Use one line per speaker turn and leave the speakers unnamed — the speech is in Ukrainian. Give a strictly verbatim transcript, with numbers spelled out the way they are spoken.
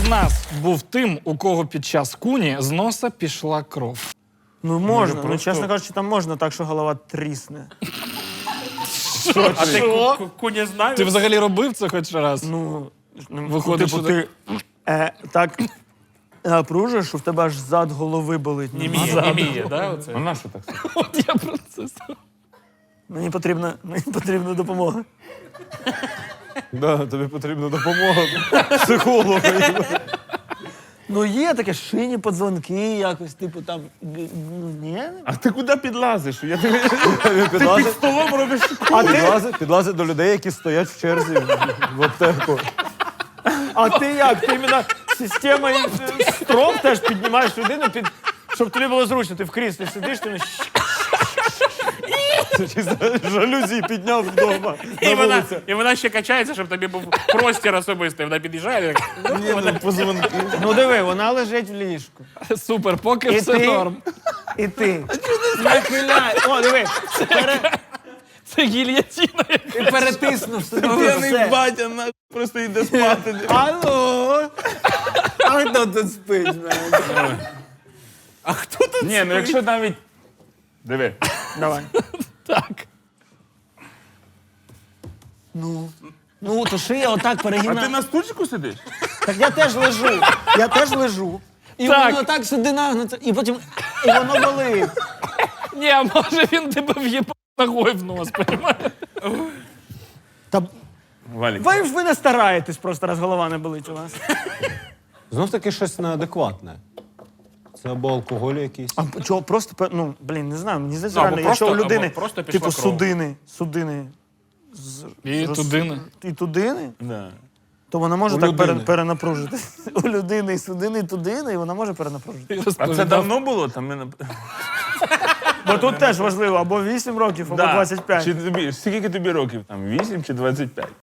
з нас був тим, у кого під час куні з носа пішла кров?
Ну можна, ну
просто-
чесно кажучи, там можна так, що голова трісне.
А ти
Що?
ку- куні знаєш?
Ти взагалі робив це хоч раз?
Ну, ну,
Виходить,
типу,
що
ти е, так е, пружиш, що в тебе аж зад голови болить.
Німіє,
Ззаду.
німіє, да? Оце?
А на що так? сказати?
От я про це сказав.
Мені потрібна, мені потрібна допомога.
Да, тобі потрібна допомога психолога.
Ну є таке шині подзвонки, якось, типу там. г- Ну, ні.
А ти куди підлазиш? Я не
Під
підлазить,
столом робиш. А ти,
підлазить, підлазить до людей, які стоять в черзі в аптеку.
а ти як? Ти іменно системою е, стром теж піднімаєш людину, під, щоб тобі було зручно. Ти в кріслі сидиш, ти не
Чи жалюзі підняв вдома
І
на
вона,
вулиці.
і вона ще качається, щоб тобі був простір особистий. Вона під'їжджає. Так,
Ні, ну, позвонки.
Ну диви, вона лежить в ліжку.
Супер, поки
І
все
ти?
норм.
І ти. Нахиляй. О, диви. Пере...
Це гільятіна.
Ти перетиснув собі.
П'яний
все.
батя на- просто йде спати.
Алло. А хто тут спить?
а хто тут?
Ні, ну якщо навіть... Диви.
Давай.
Так.
Ну. Ну, то шия отак
А ти
перегинає.
на стульчику сидиш?
Так я теж лежу. Я теж лежу. І
Так.
воно так сюди нагнуться, і потім і воно болить.
Ні, а може він тебе в'їбав ногою в нос, понімаєш?
Та
Валік.
ви ж ви не стараєтесь, просто раз голова не болить у вас.
Знов таки щось неадекватне. Це або алкоголь якийсь.
А чого просто пе- ну, блін, не знаю, мені здається,
Ну, або
реально, якщо у
просто-
людини
або просто пішла
типу
кров.
судини, судини
І
роз-
тудини.
і тудини,
Да.
то вона може
У
так пере-
людини.
перенапружити. У людини і судини, і тудини, і вона може перенапружити.
А це давно було? Там мене...
Бо тут теж важливо, або вісім років, або
Да.
двадцять п'ять.
Чи тобі, скільки тобі років? Там вісім чи двадцять п'ять?